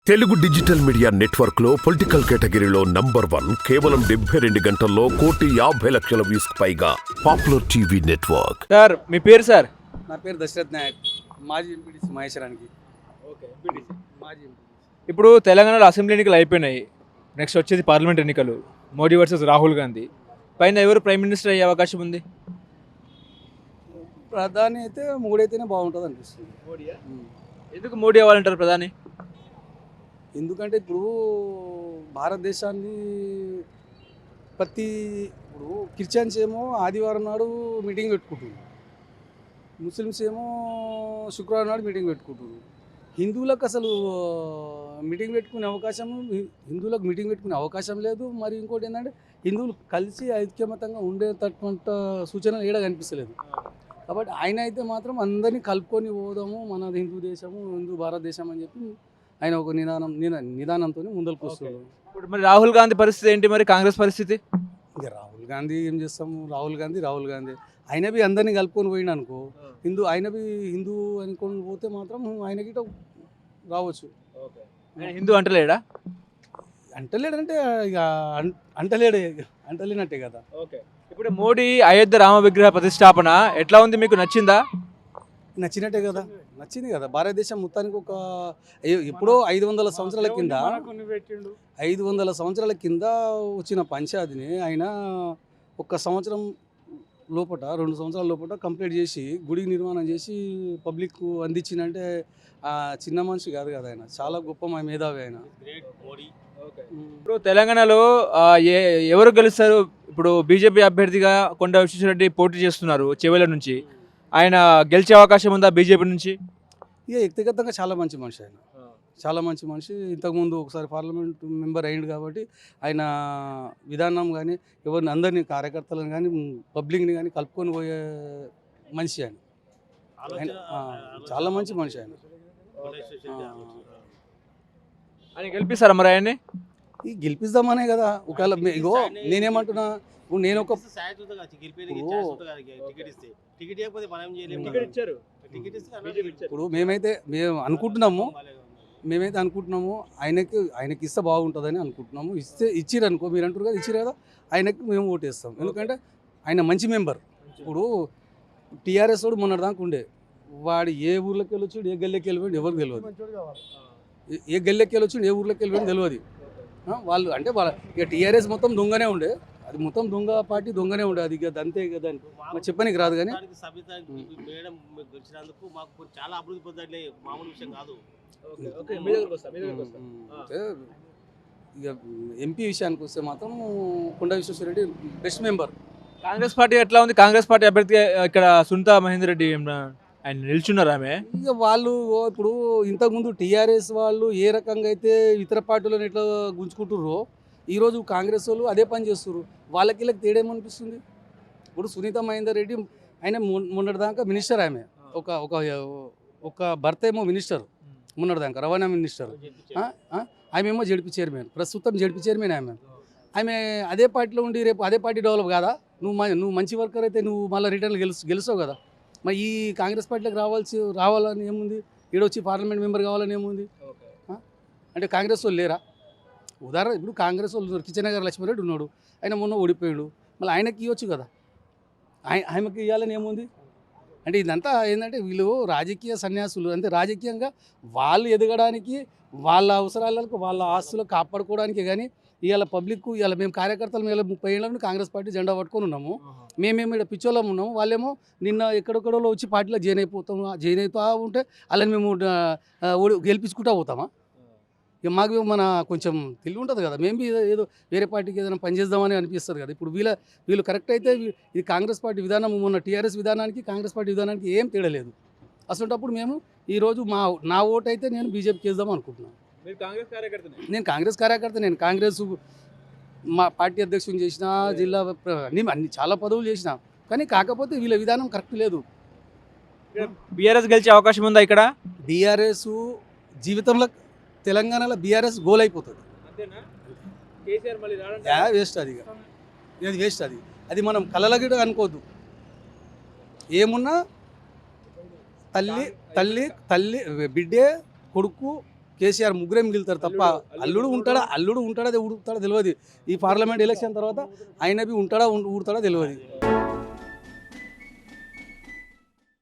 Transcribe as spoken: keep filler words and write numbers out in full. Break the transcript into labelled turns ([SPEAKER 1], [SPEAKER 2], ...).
[SPEAKER 1] Telugu digital media network లో political కేటగిరీలో number one కేవలం డెబ్బై రెండు గంటల్లో కోటి యాభై లక్షల వ్యూస్ పైగా పాపులర్ టీవీ నెట్వర్క్.
[SPEAKER 2] సార్ మీ పేరు సార్?
[SPEAKER 3] నా పేరు దశరథ్ నాయక్, మాజీ ఎంపీడీసీ మహేశ్వరానికి.
[SPEAKER 2] ఓకే,
[SPEAKER 3] మాజీ
[SPEAKER 2] ఇప్పుడు తెలంగాణలో అసెంబ్లీ ఎన్నికలు అయిపోయినాయి, నెక్స్ట్ వచ్చేది పార్లమెంట్ ఎన్నికలు. మోడీ వర్సెస్ రాహుల్ గాంధీ పైన ఎవరు ప్రైమ్ మినిస్టర్ అయ్యే అవకాశం ఉంది?
[SPEAKER 3] ప్రధాని అయితే మూడైతేనే బాగుంటుంది అనిపిస్తుంది.
[SPEAKER 2] మోడీయా? ఎందుకు మోడీ అవ్వాలంటారు ప్రధాని?
[SPEAKER 3] ఎందుకంటే ఇప్పుడు భారతదేశాన్ని ప్రతి ఇప్పుడు క్రిస్టియన్స్ ఏమో ఆదివారం నాడు మీటింగ్ పెట్టుకుంటున్నారు, ముస్లిమ్స్ ఏమో శుక్రవారం నాడు మీటింగ్ పెట్టుకుంటున్నారు. హిందువులకు అసలు మీటింగ్ పెట్టుకునే అవకాశం హిందువులకు మీటింగ్ పెట్టుకునే అవకాశం లేదు. మరి ఇంకోటి ఏంటంటే హిందువులు కలిసి ఐక్యమతంగా ఉండేటటువంటి సూచనలు ఏడా కనిపిస్తలేదు. కాబట్టి ఆయన అయితే మాత్రం అందరినీ కలుపుకొని పోదాము, మన హిందూ దేశము హిందూ భారతదేశం అని చెప్పి ఆయన ఒక నిదానం నిదానంతో ముందరకు వస్తున్నాడు.
[SPEAKER 2] ఇప్పుడు మరి రాహుల్ గాంధీ పరిస్థితి ఏంటి, మరి కాంగ్రెస్ పరిస్థితి?
[SPEAKER 3] ఇక రాహుల్ గాంధీ ఏం చేస్తాము, రాహుల్ గాంధీ రాహుల్ గాంధీ ఆయన బి అందరినీ కలుపుకొని పోయినా అనుకో, హిందూ ఆయన బి హిందూ అనుకొని పోతే మాత్రం ఆయన గిట రావచ్చు.
[SPEAKER 2] హిందూ అంటలేడా?
[SPEAKER 3] అంటలేడంటే ఇక అంటలేడే అంటలేనట్టే కదా.
[SPEAKER 2] ఓకే, ఇప్పుడు మోడీ అయోధ్య రామ విగ్రహ ప్రతిష్టాపన ఎట్లా ఉంది, మీకు నచ్చిందా?
[SPEAKER 3] నచ్చినట్టే కదా, నచ్చింది కదా. భారతదేశం మొత్తానికి ఒక ఎప్పుడో ఐదు వందల సంవత్సరాల కింద ఐదు వందల సంవత్సరాల కింద వచ్చిన పంచాయతీని ఆయన ఒక్క సంవత్సరం లోపల రెండు సంవత్సరాల లోపల కంప్లీట్ చేసి గుడి నిర్మాణం చేసి పబ్లిక్ అందించిందంటే ఆ చిన్న మనిషి కాదు కదా, ఆయన చాలా గొప్ప మా మేధావి ఆయన.
[SPEAKER 2] ఇప్పుడు తెలంగాణలో ఏ ఎవరు గెలుస్తారు? ఇప్పుడు బీజేపీ అభ్యర్థిగా కొండ విశ్వేశ్వరరెడ్డి పోటీ చేస్తున్నారు చెవెల నుంచి, ఆయన గెలిచే అవకాశం ఉందా బీజేపీ నుంచి?
[SPEAKER 3] ఇక వ్యక్తిగతంగా చాలా మంచి మనిషి ఆయన, చాలా మంచి మనిషి. ఇంతకుముందు ఒకసారి పార్లమెంట్ మెంబర్ అయ్యిండు కాబట్టి ఆయన విధానం కానీ ఎవరిని అందరినీ కార్యకర్తలను కానీ పబ్లిక్ని కానీ కలుపుకొని పోయే మనిషి ఆయన. ఆయన చాలా మంచి మనిషి ఆయన.
[SPEAKER 2] ఆయన గెలిపిస్తారా మరి ఆయన్ని?
[SPEAKER 3] ఈ గెలిపిద్దామనే కదా. ఒకవేళ ఇగో నేనేమంటున్నా, ఇప్పుడు నేను ఒక ఇప్పుడు మేమైతే మేము అనుకుంటున్నాము మేమైతే అనుకుంటున్నాము ఆయనకి ఆయనకి ఇస్తే బాగుంటుందని అనుకుంటున్నాము. ఇస్తే ఇచ్చిరు అనుకో, మీరు అంటారు కదా ఇచ్చిరు కదా, ఆయనకి మేము ఓటేస్తాం. ఎందుకంటే ఆయన మంచి మెంబర్. ఇప్పుడు టీఆర్ఎస్ వాడు మొన్నటిదాకా ఉండే, వాడు ఏ ఊర్లోకి వెళ్ళొచ్చు, ఏ గల్లెకి వెళ్ళిపోయింది ఎవరికి తెలియదు, ఏ గల్లెకి వెళ్ళొచ్చు ఏ ఊర్లోకి వెళ్ళిపోయింది తెలియదు. వాళ్ళు అంటే వాళ్ళ ఇక టీఆర్ఎస్ మొత్తం దొంగనే ఉండే, అది మొత్తం దొంగ పార్టీ దొంగనే ఉండే, అది ఇక అంతే కదా అని చెప్పడానికి రాదు. కానీ ఇక ఎంపీ విషయానికి వస్తే మాత్రం Konda Vishweshwar Reddy best member.
[SPEAKER 2] Congress party ఎట్లా ఉంది? కాంగ్రెస్ పార్టీ అభ్యర్థి ఇక్కడ సునీతా మహేందర్ రెడ్డి ఆయన నిల్చున్నారు. ఆమె
[SPEAKER 3] ఇక వాళ్ళు ఇప్పుడు ఇంతకుముందు టీఆర్ఎస్ వాళ్ళు ఏ రకంగా అయితే ఇతర పార్టీలను ఎట్లా గుంజుకుంటుర్రో ఈరోజు కాంగ్రెస్ వాళ్ళు అదే పని చేస్తున్నారు. వాళ్ళకి వీళ్ళకి తేడేమనిపిస్తుంది? ఇప్పుడు సునీతా మహేందర్ రెడ్డి ఆయన మొన్నటిదాకా మినిస్టర్, ఆమె ఒక ఒక ఒక భర్త ఏమో మినిస్టర్, మొన్నటిదాకా రవాణా మినిస్టర్, ఆమె ఏమో జడ్పీ చైర్మన్, ప్రస్తుతం జడ్పీ చైర్మన్ ఆమె. ఆమె అదే పార్టీలో ఉండి రేపు అదే పార్టీ డెవలప్ కాదా? నువ్వు నువ్వు మంచి వర్కర్ అయితే నువ్వు మళ్ళీ రిటర్న్ గెలుసు గెలుస్తావు కదా. మరి ఈ కాంగ్రెస్ పార్టీలోకి రావాల్సి రావాలని ఏముంది, ఈడొచ్చి పార్లమెంట్ మెంబర్ కావాలని ఏముంది? అంటే కాంగ్రెస్ వాళ్ళు లేరా? ఉదాహరణ ఇప్పుడు కాంగ్రెస్ వాళ్ళు కిచెన్ గారు లక్ష్మీరెడ్డి ఉన్నాడు, ఆయన మొన్న ఓడిపోయాడు, మళ్ళీ ఆయనకి ఇవ్వచ్చు కదా, ఆయ ఆయనకి ఇవ్వాలని ఏముంది? అంటే ఇదంతా ఏంటంటే వీళ్ళు రాజకీయ సన్యాసులు, అంటే రాజకీయంగా వాళ్ళు ఎదగడానికి, వాళ్ళ అవసరాలకు వాళ్ళ ఆస్తులు కాపాడుకోవడానికి. కానీ ఇవాళ పబ్లిక్ ఇవాళ మేము కార్యకర్తలు మేము ముప్పై ఏళ్ళ నుండి కాంగ్రెస్ పార్టీ జెండా పట్టుకొని ఉన్నాము, మేమేమి ఇక్కడ పిచ్చోళ్ళం ఉన్నాము, వాళ్ళేమో నిన్న ఎక్కడెక్కడో వచ్చి పార్టీలో జాయిన్ అయిపోతాము, జాయిన్ అవుతూ ఉంటే వాళ్ళని మేము గెలిపించుకుంటూ పోతామా? ఇక మాకు మన కొంచెం తెలివి ఉంటుంది కదా, మేము ఏదో వేరే పార్టీకి ఏదైనా పనిచేద్దామని అనిపిస్తుంది కదా. ఇప్పుడు వీళ్ళ వీళ్ళు కరెక్ట్ అయితే ఇది కాంగ్రెస్ పార్టీ విధానం, మొన్న టీఆర్ఎస్ విధానానికి కాంగ్రెస్ పార్టీ విధానానికి ఏం తేడలేదు. అసలుటప్పుడు మేము ఈరోజు మా నా ఓటు అయితే నేను బీజేపీకి వేద్దాం అనుకుంటున్నాను. నేను కాంగ్రెస్ కార్యకర్త, నేను కాంగ్రెస్ మా పార్టీ అధ్యక్షుని చేసిన, జిల్లా అన్ని అన్ని చాలా పదవులు చేసిన, కానీ కాకపోతే వీళ్ళ విధానం కరెక్ట్ లేదు.
[SPEAKER 2] బీఆర్ఎస్ గెలిచే అవకాశం ఉందా ఇక్కడ?
[SPEAKER 3] బీఆర్ఎస్ జీవితంలో తెలంగాణలో బీఆర్ఎస్ గోల్ అయిపోతుంది, వేస్ట్ అది, అది వేస్ట్ అది అది మనం కలలగిడ అనుకోవద్దు. ఏమున్నా తల్లి తల్లి తల్లి బిడ్డే కొడుకు కేసీఆర్ ముగ్గురే మిగులుతారు తప్ప అల్లుడు ఉంటాడా అల్లుడు ఉంటాడా ఉడుకుతాడా తెలియదు. ఈ పార్లమెంట్ ఎలక్షన్ తర్వాత ఆయన బి ఉంటాడా ఊడతాడా తెలియదు.